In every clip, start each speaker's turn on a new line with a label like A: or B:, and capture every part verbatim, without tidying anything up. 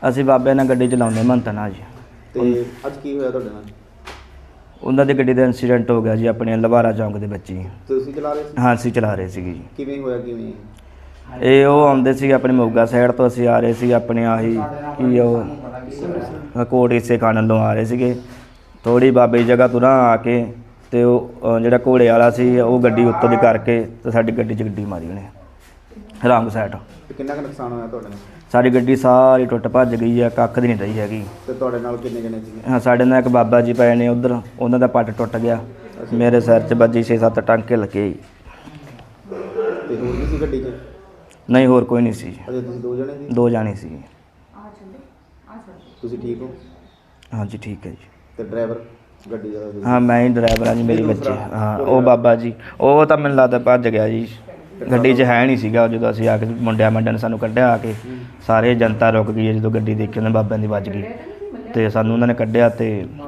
A: ਅਸੀਂ ਬਾਬੇ ਨਾਲ ਗੱਡੀ ਚਲਾਉਂਦੇ ਮੰਨਤ ਨਾਲ ਜੀ।
B: ਤੇ ਅੱਜ ਕੀ ਹੋਇਆ ਤੁਹਾਡੇ ਨਾਲ?
A: ਉਹਨਾਂ ਦੀ ਗੱਡੀ ਦਾ ਇੰਸੀਡੈਂਟ ਹੋ ਗਿਆ ਜੀ ਆਪਣੇ ਲਵਾਰਾ ਚੌਂਕ ਦੇ ਵਿੱਚ ਜੀ।
B: ਤੁਸੀਂ ਚਲਾ ਰਹੇ ਸੀ?
A: ਹਾਂ ਅਸੀਂ ਚਲਾ ਰਹੇ ਸੀਗੇ ਜੀ।
B: ਕਿਵੇਂ ਹੋਇਆ ਕਿਵੇਂ?
A: ਇਹ ਉਹ ਆਉਂਦੇ ਸੀ ਆਪਣੇ ਮੋਗਾ ਸਾਈਡ ਤੋਂ, ਅਸੀਂ ਆ ਰਹੇ ਸੀ ਆਪਣੇ ਆਹੀ ਕੀ ਉਹ ਕੋਟ ਹਿੱਸੇ ਖਾਣ ਵੱਲੋਂ ਆ ਰਹੇ ਸੀਗੇ। ਥੋੜ੍ਹੀ ਬਾਬੇ ਦੀ ਜਗ੍ਹਾ ਤੁਰਾਂ ਆ ਕੇ ਅਤੇ ਉਹ ਜਿਹੜਾ ਘੋੜੇ ਵਾਲਾ ਸੀ ਉਹ ਗੱਡੀ ਉੱਤੋਂ ਦੀ ਕਰਕੇ ਅਤੇ ਸਾਡੀ ਗੱਡੀ 'ਚ ਗੱਡੀ ਮਾਰੀ ਉਹਨੇ ਰੰਗ ਸਾਈਡ।
B: ਕਿੰਨਾ ਕੁ ਨੁਕਸਾਨ ਹੋਇਆ ਤੁਹਾਡੇ ਨਾਲ?
A: ਸਾਡੀ ਗੱਡੀ ਸਾਰੀ ਟੁੱਟ ਭੱਜ ਗਈ ਆ, ਕੱਖ ਦੀ ਨਹੀਂ ਰਹੀ ਹੈਗੀ।
B: ਤੇ ਤੁਹਾਡੇ ਨਾਲ ਕਿੰਨੇ ਜਣੇ ਸੀਗੇ?
A: ਹਾਂ ਸਾਡੇ ਨਾਲ ਇੱਕ ਬਾਬਾ ਜੀ ਪਏ ਨੇ ਉੱਧਰ, ਉਹਨਾਂ ਦਾ ਪੱਟ ਟੁੱਟ ਗਿਆ। ਮੇਰੇ ਸਿਰ 'ਚ ਵੱਜੀ ਛੇ ਸੱਤ ਟਾਂਕੇ ਲੱਗੇ ਜੀ।
B: ਤੇ ਹੋਰ ਵੀ ਸੀ ਗੱਡੀ 'ਚ?
A: ਨਹੀਂ ਹੋਰ ਕੋਈ ਨਹੀਂ ਸੀ।
B: ਅਜੇ ਤੁਸੀਂ ਦੋ ਜਣੇ ਸੀ?
A: ਦੋ ਜਾਣੇ ਸੀ।
B: ਤੁਸੀਂ ਠੀਕ ਹੋ?
A: ਹਾਂਜੀ ਠੀਕ ਹੈ ਜੀ।
B: ਤੇ ਡਰਾਈਵਰ ਗੱਡੀ ਦਾ?
A: ਹਾਂ ਮੈਂ ਹੀ ਡਰਾਈਵਰ ਹਾਂ ਜੀ, ਮੇਰੀ ਬੱਚੀ। ਹਾਂ ਉਹ ਬਾਬਾ ਜੀ ਉਹ ਤਾਂ ਮੈਨੂੰ ਲੱਗਦਾ ਭੱਜ ਗਿਆ ਜੀ, ਗੱਡੀ 'ਚ ਹੈ ਨਹੀਂ ਸੀਗਾ ਜਦੋਂ ਅਸੀਂ ਆ ਕੇ ਮੁੰਡਿਆਂ ਮੰਡਿਆਂ ਨੇ ਸਾਨੂੰ ਕੱਢਿਆ ਆ ਕੇ। ਸਾਰੇ ਜਨਤਾ ਰੁਕ ਗਈ ਜਦੋਂ ਗੱਡੀ ਦੇਖੀ ਉਹਨਾਂ ਬਾਬਿਆਂ ਦੀ ਵੱਜ ਗਈ ਅਤੇ ਸਾਨੂੰ ਉਹਨਾਂ ਨੇ ਕੱਢਿਆ ਅਤੇ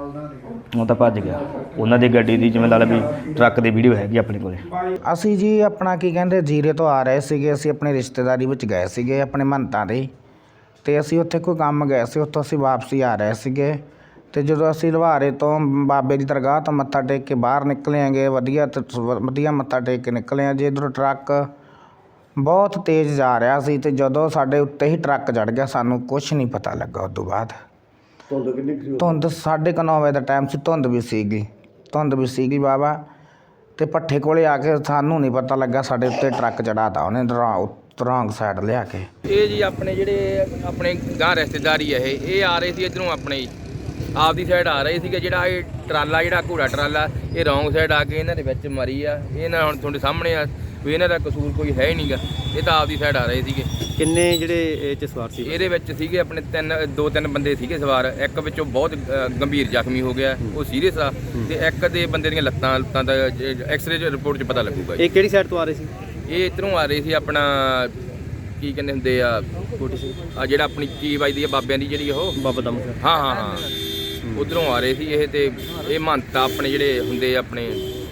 A: ਉਹ ਤਾਂ ਭੱਜ ਗਿਆ। ਉਹਨਾਂ ਦੀ ਗੱਡੀ ਦੀ ਜਿਵੇਂ ਲਾ ਲਓ ਵੀ ਟਰੱਕ ਦੀ ਵੀਡੀਓ ਹੈਗੀ ਆਪਣੇ ਕੋਲ।
C: ਅਸੀਂ ਜੀ ਆਪਣਾ ਕੀ ਕਹਿੰਦੇ ਜੀਰੇ ਤੋਂ ਆ ਰਹੇ ਸੀਗੇ, ਅਸੀਂ ਆਪਣੀ ਰਿਸ਼ਤੇਦਾਰੀ ਵਿੱਚ ਗਏ ਸੀਗੇ ਆਪਣੇ ਮੰਨਤਾਂ ਦੇ, ਅਤੇ ਅਸੀਂ ਉੱਥੇ ਕੋਈ ਕੰਮ ਗਏ ਸੀ, ਉੱਥੋਂ ਅਸੀਂ ਵਾਪਸੀ ਆ ਰਹੇ ਸੀਗੇ। ਅਤੇ ਜਦੋਂ ਅਸੀਂ ਲੁਹਾਰੇ ਤੋਂ ਬਾਬੇ ਦੀ ਦਰਗਾਹ ਤੋਂ ਮੱਥਾ ਟੇਕ ਕੇ ਬਾਹਰ ਨਿਕਲੇ ਹੈਗੇ, ਵਧੀਆ ਵਧੀਆ ਮੱਥਾ ਟੇਕ ਕੇ ਨਿਕਲੇ ਹਾਂ ਜੀ। ਇੱਧਰੋਂ ਟਰੱਕ ਬਹੁਤ ਤੇਜ਼ ਜਾ ਰਿਹਾ ਸੀ ਅਤੇ ਜਦੋਂ ਸਾਡੇ ਉੱਤੇ ਹੀ ਟਰੱਕ ਚੜ੍ਹ ਗਿਆ ਸਾਨੂੰ ਕੁਛ ਨਹੀਂ ਪਤਾ ਲੱਗਾ। ਉਸ ਤੋਂ ਬਾਅਦ
B: ਧੁੰਦ ਕਿੰਨੀ?
C: ਧੁੰਦ ਸਾਢੇ ਕੁ ਨੌ ਵਜੇ ਦਾ ਟਾਈਮ ਸੀ, ਧੁੰਦ ਵੀ ਸੀਗੀ ਧੁੰਦ ਵੀ ਸੀਗੀ ਬਾਬਾ। ਅਤੇ ਭੱਠੇ ਕੋਲੇ ਆ ਕੇ ਸਾਨੂੰ ਨਹੀਂ ਪਤਾ ਲੱਗਾ ਸਾਡੇ ਉੱਤੇ ਟਰੱਕ ਚੜ੍ਹਾ ਤਾ ਉਹਨੇ ਰੌਂਗ ਸਾਈਡ ਲਿਆ ਕੇ।
D: ਇਹ ਜੀ ਆਪਣੇ ਜਿਹੜੇ ਆਪਣੇ ਗਾਂ ਰਿਸ਼ਤੇਦਾਰੀ ਹੈ ਇਹ ਇਹ ਆ ਰਹੇ ਸੀ ਇੱਧਰੋਂ ਆਪਣੇ ਆਪਦੀ ਸਾਈਡ ਆ ਰਹੇ ਸੀਗੇ। ਜਿਹੜਾ ਇਹ ਟਰਾਲਾ ਜਿਹੜਾ ਘੋੜਾ ਟਰਾਲਾ ਇਹ ਰੌਂਗ ਸਾਈਡ ਆ ਕੇ ਇਹਨਾਂ ਦੇ ਵਿੱਚ ਮਾਰੀ ਆ। ਇਹ ਨਾ ਹੁਣ ਤੁਹਾਡੇ ਸਾਹਮਣੇ ਆ ਵੀ ਇਹਨਾਂ ਦਾ ਕਸੂਰ ਕੋਈ ਹੈ ਹੀ ਨਹੀਂਗਾ, ਇਹ ਤਾਂ ਆਪਦੀ ਸਾਈਡ ਆ ਰਹੇ ਸੀਗੇ।
E: ਕਿੰਨੇ ਜਿਹੜੇ ਇਹ 'ਚ ਸਵਾਰ ਸੀ?
D: ਇਹਦੇ ਵਿੱਚ ਸੀਗੇ ਆਪਣੇ ਤਿੰਨ ਦੋ ਤਿੰਨ ਬੰਦੇ ਸੀਗੇ ਸਵਾਰ। ਇੱਕ ਵਿੱਚੋਂ ਬਹੁਤ ਗੰਭੀਰ ਜ਼ਖਮੀ ਹੋ ਗਿਆ, ਉਹ ਸੀਰੀਅਸ ਆ, ਤੇ ਇੱਕ ਦੇ ਬੰਦੇ ਦੀਆਂ ਲੱਤਾਂ ਲੱਤਾਂ ਦਾ ਐਕਸਰੇ ਰਿਪੋਰਟ 'ਚ ਪਤਾ ਲੱਗੂਗਾ।
E: ਇਹ ਕਿਹੜੀ ਸਾਈਡ ਤੋਂ ਆ ਰਹੇ ਸੀ?
D: ਇਹ ਇੱਧਰੋਂ ਆ ਰਹੇ ਸੀ ਆਪਣਾ ਕੀ ਕਹਿੰਦੇ ਹੁੰਦੇ ਆ ਕੋਟੀ ਸੀ ਆ ਜਿਹੜਾ ਆਪਣੀ ਕੀ ਵੱਜਦੀ ਆ ਬਾਬਿਆਂ ਦੀ ਜਿਹੜੀ ਉਹ
E: ਬਾਬਾ ਦਮ।
D: ਹਾਂ ਹਾਂ ਹਾਂ ਉੱਧਰੋਂ ਆ ਰਹੇ ਸੀ ਇਹ। ਤੇ ਇਹ ਮਹੰਤ ਆਪਣੇ ਜਿਹੜੇ ਹੁੰਦੇ ਆ ਆਪਣੇ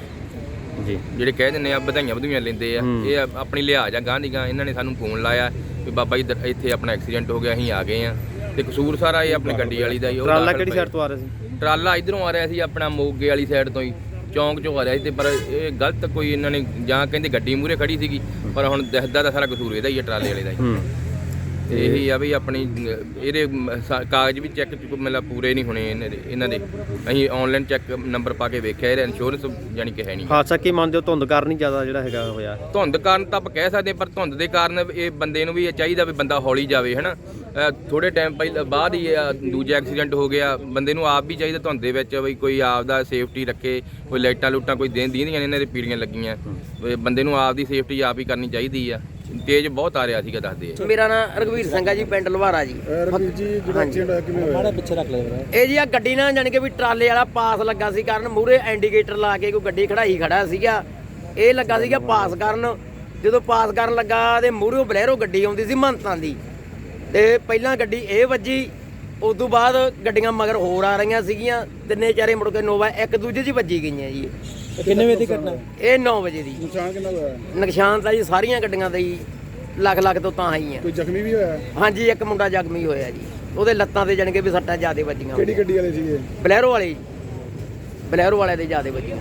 E: ਜੀ
D: ਜਿਹੜੇ ਕਹਿ ਦਿੰਦੇ ਆ ਵਧਾਈਆਂ ਵਧੂਈਆਂ ਲੈਂਦੇ ਆ, ਇਹ ਆਪਣੀ ਲਿਹਾਜ਼ ਆ ਗਾਂ ਦੀ ਗਾਂ। ਇਹਨਾਂ ਨੇ ਸਾਨੂੰ ਫੋਨ ਲਾਇਆ ਵੀ ਬਾਬਾ ਜੀ ਇੱਥੇ ਆਪਣਾ ਐਕਸੀਡੈਂਟ ਹੋ ਗਿਆ, ਅਸੀਂ ਆ ਗਏ ਆ। ਤੇ ਕਸੂਰ ਸਾਰਾ ਇਹ ਆਪਣੀ ਗੱਡੀ ਵਾਲੀ ਦਾ ਹੀ।
E: ਟਰਾਲਾ ਕਿਹੜੀ ਸਾਈਡ ਤੋਂ ਆ ਰਿਹਾ ਸੀ?
D: ਟਰਾਲਾ ਇੱਧਰੋਂ ਆ ਰਿਹਾ ਸੀ ਆਪਣਾ ਮੋਗੇ ਵਾਲੀ ਸਾਈਡ ਤੋਂ ਹੀ, ਚੌਂਕ 'ਚੋਂ ਆ ਰਿਹਾ ਸੀ। ਤੇ ਪਰ ਇਹ ਗਲਤ ਕੋਈ ਇਹਨਾਂ ਨੇ ਜਾਂ ਕਹਿੰਦੇ ਗੱਡੀ ਮੂਹਰੇ ਖੜੀ ਸੀਗੀ, ਪਰ ਹੁਣ ਦਿਖਦਾ ਤਾਂ ਸਾਰਾ ਕਸੂਰ ਇਹਦਾ ਹੀ ਆ, ਟਰਾਲੇ ਵਾਲੇ ਦਾ ਹੀ। ਤੇ ਇਹੀ ਆ ਵੀ ਆਪਣੀ ਇਹਦੇ ਕਾਗਜ਼ ਵੀ ਚੈੱਕ ਮਤਲਬ ਪੂਰੇ ਨਹੀਂ ਹੋਣੇ ਇਹਨਾਂ ਦੇ ਇਹਨਾਂ ਦੇ ਅਸੀਂ ਆਨਲਾਈਨ ਚੈੱਕ ਨੰਬਰ ਪਾ ਕੇ ਵੇਖਿਆ, ਇਹਦਾ ਇੰਸ਼ੋਰੈਂਸ ਯਾਨੀ ਕਿ ਹੈ ਨਹੀਂ।
E: ਹਾਦਸਾ ਕੀ ਮੰਨਦੇ ਹੋ? ਧੁੰਦ ਕਾਰਨ ਹੀ ਜ਼ਿਆਦਾ ਜਿਹੜਾ ਹੈਗਾ ਹੋਇਆ?
D: ਧੁੰਦ ਕਾਰਨ ਤਾਂ ਆਪਾਂ ਕਹਿ ਸਕਦੇ, ਪਰ ਧੁੰਦ ਦੇ ਕਾਰਨ ਇਹ ਬੰਦੇ ਨੂੰ ਵੀ ਇਹ ਚਾਹੀਦਾ ਵੀ ਬੰਦਾ ਹੌਲੀ ਜਾਵੇ, ਹੈ ਨਾ। ਥੋੜ੍ਹੇ ਟਾਈਮ ਪਹਿਲਾਂ ਬਾਅਦ ਹੀ ਦੂਜਾ ਐਕਸੀਡੈਂਟ ਹੋ ਗਿਆ। ਬੰਦੇ ਨੂੰ ਆਪ ਵੀ ਚਾਹੀਦਾ ਧੁੰਦ ਦੇ ਵਿੱਚ ਵੀ ਕੋਈ ਆਪ ਦਾ ਸੇਫਟੀ ਰੱਖੇ, ਕੋਈ ਲਾਈਟਾਂ ਲੂਟਾਂ ਕੋਈ ਦੇਣ ਦੀਆਂ ਇਹਨਾਂ ਦੇ ਪੀੜੀਆਂ ਲੱਗੀਆਂ। ਬੰਦੇ ਨੂੰ ਆਪ ਦੀ ਸੇਫਟੀ ਆਪ ਹੀ ਕਰਨੀ ਚਾਹੀਦੀ ਆ। ਤੇਜ਼ ਬਹੁਤ ਆ ਰਿਹਾ ਸੀਗਾ ਦੱਸਦੇ ਆ।
F: ਮੇਰਾ ਨਾਮ ਰਘਵੀਰ ਸਿੰਘ ਆ ਜੀ, ਪਿੰਡ ਲਵਾਰਾ ਜੀ।
B: ਰਘਵੀਰ ਜੀ ਜਿਹੜਾ ਐਕਸੀਡੈਂਟ ਹੋਇਆ ਕਿਵੇਂ ਹੋਇਆ?
E: ਪਿੱਛੇ ਰੱਖ ਲਿਆ।
F: ਇਹ ਜੀ ਆ ਗੱਡੀ ਨਾਲ ਜਾਣੀ ਕਿ ਵੀ ਟਰਾਲੇ ਵਾਲਾ ਪਾਸ ਲੱਗਾ ਸੀ ਕਰਨ, ਮੂਹਰੇ ਇੰਡੀਕੇਟਰ ਲਾ ਕੇ ਕੋਈ ਗੱਡੀ ਖੜਾਈ ਖੜਾ ਸੀਗਾ। ਇਹ ਲੱਗਾ ਸੀਗਾ ਪਾਸ ਕਰਨ। ਜਦੋਂ ਪਾਸ ਕਰਨ ਲੱਗਾ ਤੇ ਮੂਹਰੇ ਬਲੈਰੋ ਗੱਡੀ ਆਉਂਦੀ ਸੀ ਮਹੰਤਾਂ ਦੀ, ਤੇ ਪਹਿਲਾਂ ਗੱਡੀ ਇਹ ਵੱਜੀ। ਉਸ ਤੋਂ ਬਾਅਦ ਗੱਡੀਆਂ ਮਗਰ ਹੋਰ ਆ ਰਹੀਆਂ ਸੀਗੀਆਂ, ਤਿੰਨੇ ਚਾਰੇ ਮੁੜ ਕੇ ਨੋਵਾ ਇੱਕ ਦੂਜੇ 'ਚ ਵੱਜੀ ਗਈਆਂ ਜੀ।
E: ਕਿੰਨੇ ਵਜੇ ਦੀ ਘਟਨਾ?
F: ਇਹ ਨੌ ਵਜੇ ਦੀ।
B: ਨੁਕਸਾਨ ਕਿੰਨਾ ਹੋਇਆ?
F: ਨੁਕਸਾਨ ਤਾਂ ਜੀ ਸਾਰੀਆਂ ਗੱਡੀਆਂ ਦਾ ਹੀ ਲੱਖ ਲੱਖ ਤੋਂ ਤਾਂ ਹੀ ਆ।
B: ਕੋਈ ਜ਼ਖਮੀ ਵੀ ਹੋਇਆ?
F: ਹਾਂਜੀ ਇੱਕ ਮੁੰਡਾ ਜ਼ਖਮੀ ਹੋਇਆ ਜੀ, ਉਹਦੇ ਲੱਤਾਂ ਤੇ ਜਾਣ ਕੇ ਵੀ ਸੱਟਾਂ ਜ਼ਿਆਦੇ ਵੱਜੀਆਂ।
B: ਕਿਹੜੀ ਗੱਡੀ ਵਾਲੇ ਸੀਗੇ?
F: ਬਲੈਰੋ ਵਾਲੇ ਜੀ, ਬਲੈਰੋ ਵਾਲੇ ਦੇ ਜ਼ਿਆਦੇ ਵੱਜੀਆਂ,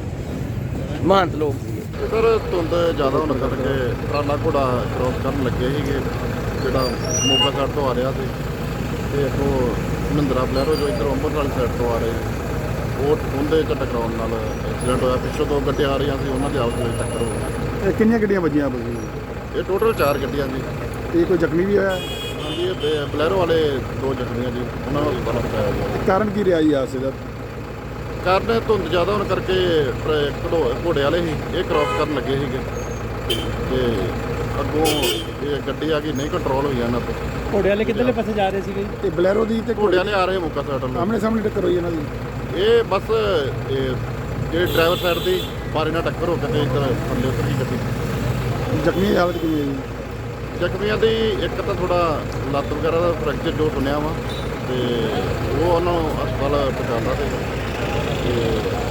F: ਮਹੰਤ ਲੋਕ ਸੀਗੇ।
G: ਸਰ ਧੁੰਦ ਜ਼ਿਆਦਾ ਹੋਣ ਕਰਕੇ ਟਰਾਲਾ ਘੋੜਾ ਕ੍ਰੋਸ ਕਰਨ ਲੱਗੇ ਸੀਗੇ, ਜਿਹੜਾ ਮੋਗਾ ਸਾਈਡ ਤੋਂ ਆ ਰਿਹਾ ਸੀ, ਤੇ ਇੱਥੋਂ ਮਹਿੰਦਰਾ ਬਲੈਰੋ ਜੋ ਇੱਧਰ ਅੰਮ੍ਰਿਤਸਰ ਵਾਲੀ ਸਾਈਡ ਤੋਂ ਆ ਰਹੇ ਸੀ, ਉਹ ਉਹਦੇ 'ਚ ਟਕਰਾਉਣ ਨਾਲ ਐਕਸੀਡੈਂਟ ਹੋਇਆ। ਪਿੱਛੋਂ ਦੋ ਗੱਡੀਆਂ ਆ ਰਹੀਆਂ ਸੀ, ਉਹਨਾਂ ਦੀ ਆਪਸ ਵਿੱਚ ਟੱਕਰ ਹੋ ਗਈ।
B: ਇਹ ਕਿੰਨੀਆਂ ਗੱਡੀਆਂ ਵੱਜੀਆਂ ਆਪਸ
G: ਇਹ ਟੋਟਲ ਚਾਰ ਗੱਡੀਆਂ ਜੀ।
B: ਤੇ ਕੋਈ ਜ਼ਖਮੀ ਵੀ ਹੋਇਆ?
G: ਹਾਂਜੀ ਇਹ ਬਲੈਰੋ ਵਾਲੇ ਦੋ ਜ਼ਖਮੀਆਂ ਜੀ, ਉਹਨਾਂ ਨੂੰ ਹਸਪਤਾਲ ਪਹੁੰਚਾਇਆ ਗਿਆ।
B: ਕਾਰਨ ਕੀ ਰਿਹਾ ਜੀ ਹਾਦਸੇ ਦਾ?
G: ਕਾਰਨ ਧੁੰਦ ਜ਼ਿਆਦਾ ਹੋਣ ਕਰਕੇ ਘੜੋ ਘੋੜੇ ਵਾਲੇ ਸੀ, ਇਹ ਕ੍ਰੋਸ ਕਰਨ ਲੱਗੇ ਸੀਗੇ, ਤੇ ਅੱਗੋਂ ਇਹ ਗੱਡੀ ਆ ਗਈ, ਨਹੀਂ ਕੰਟਰੋਲ ਹੋਈ ਇਹਨਾਂ ਤੋਂ।
E: ਘੋੜੇ ਵਾਲੇ ਕਿੱਧਰਲੇ ਪਾਸੇ ਜਾ ਰਹੇ ਸੀਗੇ?
B: ਤੇ ਬਲੈਰੋ ਦੀ ਤੇ
G: ਘੋੜਿਆਂ ਨੇ ਆ ਰਹੇ ਮੌਕਾ ਸਾਈਡ ਨੂੰ
B: ਆਮਣੇ ਸਾਹਮਣੇ ਟੱਕਰ ਹੋਈ ਇਹਨਾਂ ਦੀ?
G: ਇਹ ਬਸ ਇਹ ਜਿਹੜੇ ਡਰਾਈਵਰ ਸਾਈਡ ਦੀ ਬਾਰੇ ਨਾਲ ਟੱਕਰ ਹੋ ਕੇ ਤੇ ਇੱਧਰ ਥੱਲੇ ਉਤਰ ਗਈ ਗੱਡੀ।
B: ਜ਼ਖਮੀ ਦੀ ਹਾਲਤ ਕਿਵੇਂ ਹੈ ਜੀ?
G: ਜ਼ਖਮੀਆਂ ਦੀ ਇੱਕ ਤਾਂ ਥੋੜਾ ਲੱਤ ਵਗੈਰਾ ਦਾ ਫ੍ਰੈਕਚਰ ਜੋ ਸੁਣਿਆ ਵਾ, ਤੇ ਉਹ ਉਹਨਾਂ ਨੂੰ ਹਸਪਤਾਲ ਪਹੁੰਚਾਉਣਾ।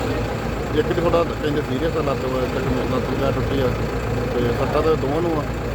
G: ਤੇ ਇੱਕ ਥੋੜਾ ਕਹਿੰਦੇ ਸੀਰੀਅਸ ਆ, ਲੱਤ ਲੱਤ ਵਗੈਰਾ ਟੁੱਟੀ ਆ, ਤੇ ਸੱਟਾਂ ਤਾਂ ਦੋਵਾਂ ਨੂੰ ਆ।